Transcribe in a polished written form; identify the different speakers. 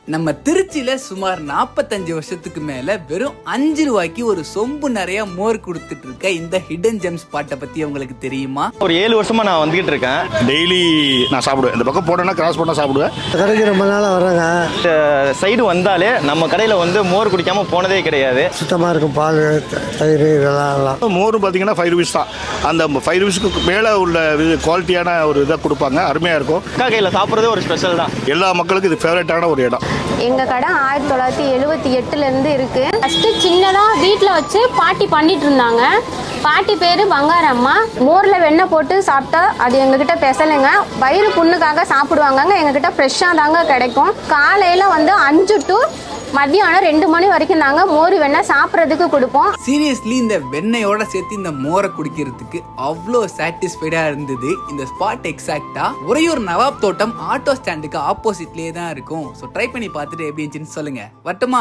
Speaker 1: நம்ம திருச்சியில சுமார் 45 வருஷத்துக்கு மேல வெறும் 5 ரூபாய்க்கு ஒரு சொம்பு நிறைய மோர் கொடுத்துட்டு இருக்க இந்த ஹிடன் ஜெம் ஸ்பாட்டை பத்தி உங்களுக்கு தெரியுமா?
Speaker 2: ஒரு 7 வருஷமா நான் வந்துகிட்டு இருக்கேன்.
Speaker 3: டெய்லி நான் சாப்பிடுவேன். இந்த பக்கம் போட்டேன்னா கிராஸ் பண்ண சாப்பிடுவேன்.
Speaker 4: கடைக்கு ரொம்ப நாளாக வர்றாங்க.
Speaker 2: இந்த சைடு வந்தாலே நம்ம கடையில் வந்து மோர் குடிக்காம போனதே கிடையாது.
Speaker 4: சுத்தமாக இருக்கும் பால், தயிர் இதெல்லாம்.
Speaker 3: மோர் பார்த்தீங்கன்னா 5 ரூபீஸ் தான். அந்த 5 ரூபீஸ்க்கு மேலே உள்ள குவாலிட்டியான ஒரு இதை கொடுப்பாங்க. அருமையாக இருக்கும்.
Speaker 2: அக்கா கையில் சாப்பிட்றதே ஒரு ஸ்பெஷல் தான்.
Speaker 3: எல்லா மக்களுக்கும் இது ஃபேவரட்டான ஒரு இடம்.
Speaker 5: எங்கள் கடை 1978 இருக்கு. ஃபர்ஸ்ட் சின்னதாக வீட்டில் வச்சு பாட்டி பண்ணிட்டு இருந்தாங்க. பாட்டி பேர் பங்காரம்மா. மோரில் வெண்ணெய் போட்டு சாப்பிட்டா அது எங்ககிட்ட பெசலைங்க. வயிறு புண்ணுக்காக சாப்பிடுவாங்கங்க. எங்ககிட்ட ஃப்ரெஷ்ஷாக தாங்க கிடைக்கும். காலையில் வந்து 5 to மதியானம் 2 மணி வரைக்கும் தாங்க மோர் வெண்ணெய் சாப்பிட்றதுக்கு கொடுப்போம்.
Speaker 1: சீரியஸ்லி இந்த வெண்ணெயோட சேர்த்து இந்த மோரை குடிக்கிறதுக்கு அவ்வளோ சாட்டிஸ்ஃபைடா இருந்தது. இந்த ஸ்பாட் எக்ஸாக்டா உறையூர் நவாப் தோட்டம் ஆட்டோ ஸ்டாண்டுக்கு ஆப்போசிட்லேயே தான் இருக்கும். ஸோ ட்ரை பண்ணி பார்த்துட்டு எப்படி இருந்துச்சுன்னு சொல்லுங்க. வட்டமா